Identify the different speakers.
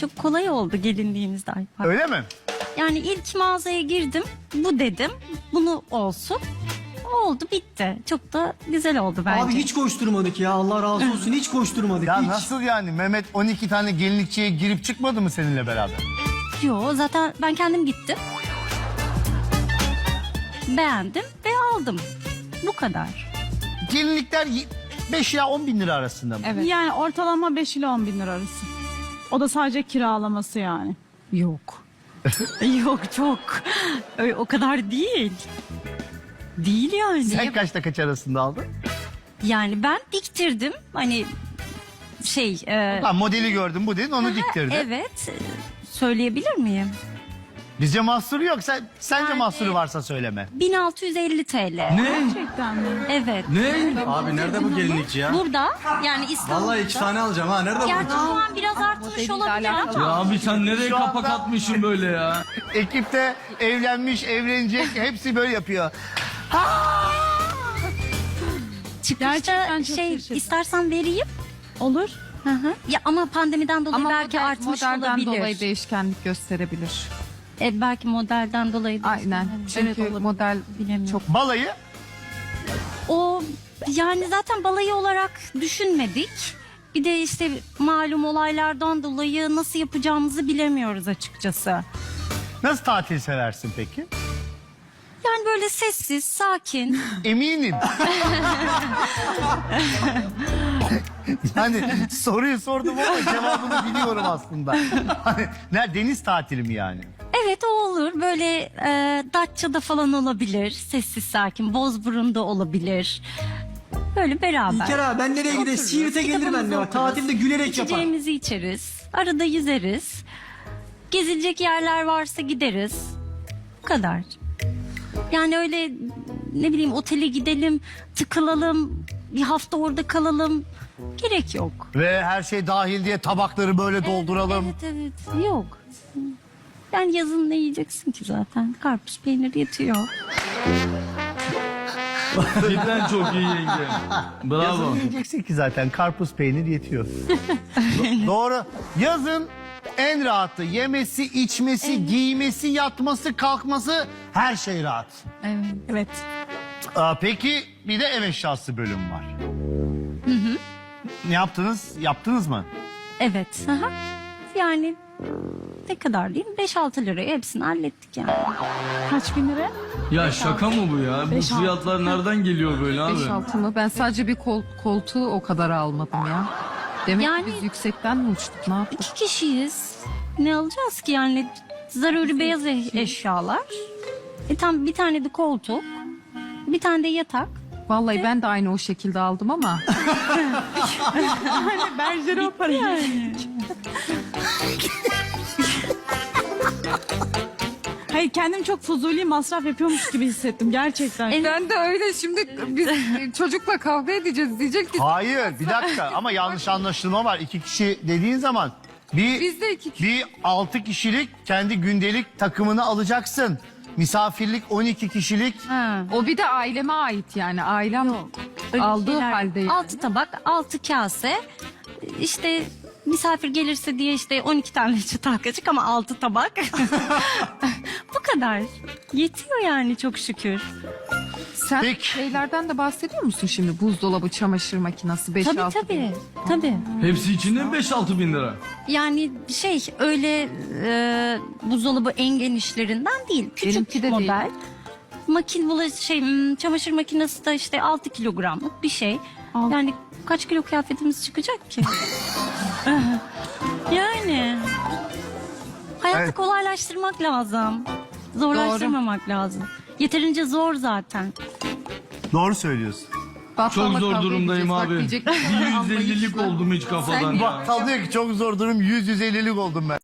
Speaker 1: Çok kolay oldu gelinliğimizde Alper.
Speaker 2: Öyle mi?
Speaker 1: Yani ilk mağazaya girdim. Bu dedim. Bunu olsun. Oldu bitti. Çok da güzel oldu bence.
Speaker 3: Abi hiç koşturmadık ya, Allah razı olsun, hiç koşturmadık.
Speaker 2: Ya
Speaker 3: hiç.
Speaker 2: nasıl yani? Mehmet 12 tane gelinlikçiye girip çıkmadı mı seninle beraber?
Speaker 1: Yo, zaten ben kendim gittim. Beğendim ve aldım. Bu kadar.
Speaker 2: Gelinlikler 5 ila 10 bin lira arasında mı?
Speaker 4: Evet. Yani ortalama 5 ile 10 bin lira arası. O da sadece kiralaması yani.
Speaker 1: Yok. Yok çok. O kadar değil. Değil yani.
Speaker 2: Sen kaçta kaç arasında aldın?
Speaker 1: Yani ben diktirdim. Hani
Speaker 2: Ha, modeli gördüm bu dedin onu diktirdin.
Speaker 1: evet. Söyleyebilir miyim?
Speaker 2: Bizce mahsuru yok. Sence
Speaker 1: Yani-
Speaker 2: mahsuru varsa söyleme.
Speaker 1: 1650 TL.
Speaker 4: Gerçekten mi?
Speaker 1: Evet.
Speaker 5: Ne? Abi nerede bu gelinlikçi ya?
Speaker 1: Burada yani İstanbul'da.
Speaker 5: Vallahi 2 tane alacağım ha. Nerede
Speaker 1: Gerçi
Speaker 5: bu?
Speaker 1: şu an biraz artmış olabilir
Speaker 5: Ya
Speaker 1: ama.
Speaker 5: abi sen nereye
Speaker 2: Şu
Speaker 5: kapak
Speaker 2: anda-
Speaker 5: atmışsın böyle ya?
Speaker 2: Ekipte evlenmiş, evlenecek hepsi böyle yapıyor.
Speaker 1: Çıkışta
Speaker 4: Gerçekten çok şaşırdım.
Speaker 1: istersen vereyim.
Speaker 4: Olur.
Speaker 1: Hı hı. Ya ama pandemiden dolayı
Speaker 6: Ama
Speaker 1: belki artmış
Speaker 6: modelden
Speaker 1: olabilir.
Speaker 6: dolayı değişkenlik gösterebilir.
Speaker 1: Belki modelden dolayı. da-
Speaker 6: Aynen. Çünkü
Speaker 1: olabilir.
Speaker 6: model
Speaker 1: Bilemiyorum.
Speaker 6: çok
Speaker 2: Balayı
Speaker 1: O yani zaten balayı olarak düşünmedik. Bir de işte malum olaylardan dolayı nasıl yapacağımızı bilemiyoruz açıkçası.
Speaker 2: nasıl tatil seversin peki?
Speaker 1: Yani böyle sessiz, sakin.
Speaker 2: Eminim. Yani soruyu sordum ama cevabını biliyorum aslında. Hani, deniz tatili mi yani?
Speaker 1: Evet o olur. Böyle Datça'da falan olabilir. Sessiz, sakin. Bozburun'da olabilir. Böyle beraber.
Speaker 3: İlker abi ben nereye gideyim? Siirt'e gelir
Speaker 1: Kitabımızı
Speaker 3: benimle bak.
Speaker 1: okuruz.
Speaker 3: Tatilde gülerek yapar.
Speaker 1: İçeceğimizi içeriz. Arada yüzeriz. Gezilecek yerler varsa gideriz. Bu kadar. Yani öyle ne bileyim otele gidelim, tıkılalım, bir hafta orada kalalım. Gerek yok.
Speaker 2: Ve her şey dahil diye tabakları böyle dolduralım.
Speaker 1: Evet evet yok. Yani yazın ne yiyeceksin ki zaten? Karpuz peynir yetiyor.
Speaker 5: Cidden çok iyi yenge. Bravo.
Speaker 2: Yazın yiyeceksin ki zaten karpuz peynir yetiyor. Doğru. Yazın en rahatı yemesi, içmesi, giymesi, yatması, kalkması her şey rahat.
Speaker 4: Evet.
Speaker 2: Peki bir de ev eşyası bölüm var. Ne yaptınız? Yaptınız mı?
Speaker 1: Evet. Aha. Yani ne kadar diyeyim? 5-6 liraya hepsini hallettik yani.
Speaker 4: Kaç bin lira?
Speaker 5: Ya şaka mı bu ya? Bu
Speaker 4: 5-6.
Speaker 5: fiyatlar nereden geliyor böyle abi?
Speaker 6: 5-6 mı? Ben sadece bir koltuğu o kadar almadım ya. Demek
Speaker 1: Yani-
Speaker 6: ki biz yüksekten mi uçtuk? Ne yaptık?
Speaker 1: 2 kişiyiz. Ne alacağız ki yani? Zaruri beyaz eşyalar. Tam bir tane de koltuk. Bir tane de yatak.
Speaker 6: Vallahi ben de aynı o şekilde aldım ama.
Speaker 4: Berjeri o parayı. Hayır kendim çok fuzuli masraf yapıyormuş gibi hissettim gerçekten.
Speaker 6: Ben de öyle şimdi biz çocukla kavga edeceğiz diyecek ki
Speaker 2: Hayır bir dakika ama yanlış anlaşılma var. 2 kişi dediğin zaman
Speaker 6: biz de 2 kişi.
Speaker 2: bir 6 kişilik kendi gündelik takımını alacaksın. Misafirlik 12 kişilik.
Speaker 1: Ha.
Speaker 6: O bir de aileme ait yani ailem
Speaker 1: Öyle
Speaker 6: aldığı
Speaker 1: şeyler-
Speaker 6: halde. Yani.
Speaker 1: 6 tabak, 6 kase. İşte misafir gelirse diye işte 12 tane çıtak kaçık ama 6 tabak. Bu kadar. Yetiyor yani çok şükür.
Speaker 6: Sen
Speaker 2: Peki.
Speaker 6: şeylerden de bahsediyor musun şimdi? Buzdolabı, çamaşır makinesi 5-6
Speaker 1: Tabii tabii. Tabii.
Speaker 5: Hepsi içinde mi 5-6 bin lira?
Speaker 1: Yani öyle buzdolabı en genişlerinden değil. Küçük
Speaker 6: Benimki de
Speaker 1: model. Çamaşır makinesi de işte 6 kilogramlık bir şey. Yani kaç kilo kıyafetimiz çıkacak ki? Yani. Hayatı
Speaker 2: Evet.
Speaker 1: kolaylaştırmak lazım. Zorlaştırmamak lazım. Yeterince zor zaten.
Speaker 2: Doğru söylüyorsun.
Speaker 6: Battalla
Speaker 5: Çok zor
Speaker 6: kavga
Speaker 5: durumdayım
Speaker 6: edeceğiz. Bak
Speaker 5: abi.
Speaker 6: diyecek,
Speaker 5: Bir
Speaker 6: anlayışla.
Speaker 5: 150'lik oldum hiç kafadan ya.
Speaker 2: Bakkal diyor ki çok zor durum 100-150'lik oldum ben.